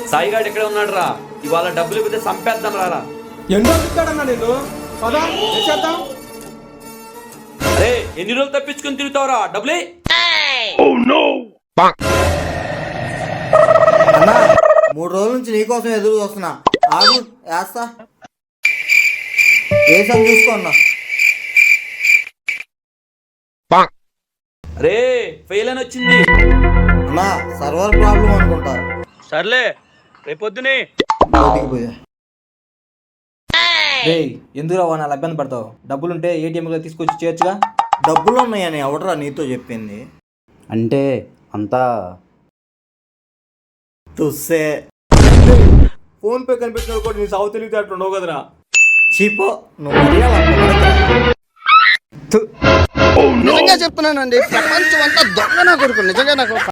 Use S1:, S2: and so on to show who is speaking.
S1: సాయిగాడు ఎక్కడ ఉన్నాడు రా? ఇవాళ డబ్బులు ఇవ్వతే సంపేద్దాం రారా.
S2: ఎన్నో చెప్తాడన్నా నేను పదా చేద్దాం.
S1: అరే ఎన్ని రోజులు తప్పించుకుని తిరుగుతావురా? డబ్బులే.
S3: అన్నా 3 రోజుల నుంచి నీకోసం ఎదురు చూస్తున్నా. ఆగు వేస్తా. వేసాను చూసుకో అన్నా.
S1: రే ఫెయిల్ అని వచ్చింది
S3: అన్నా సర్వర్ ప్రాబ్లం అనుకుంటా.
S1: సర్లే రేపొద్దునే
S3: బయటికి పోయా.
S4: రే ఎందుకు రావు నా ఇబ్బంది పడతావు? డబ్బులుంటే ఏటీఎంలో తీసుకొచ్చి చేయొచ్చుగా.
S3: డబ్బులు ఉన్నాయని ఎవడరా నీతో చెప్పింది?
S4: అంటే అంతా
S3: తుస్సే.
S2: ఫోన్ పే కనిపించిన కూడా నీ సాగు తెలివితే అట్లా ఉండవు కదరా.
S3: చీపో నువ్వు మరీ అలా పొగడకురా.
S5: నిజంగా చెప్తున్నానండి, ప్రపంచం అంతా దొంగ నా కొడుకు. నిజంగా నాకు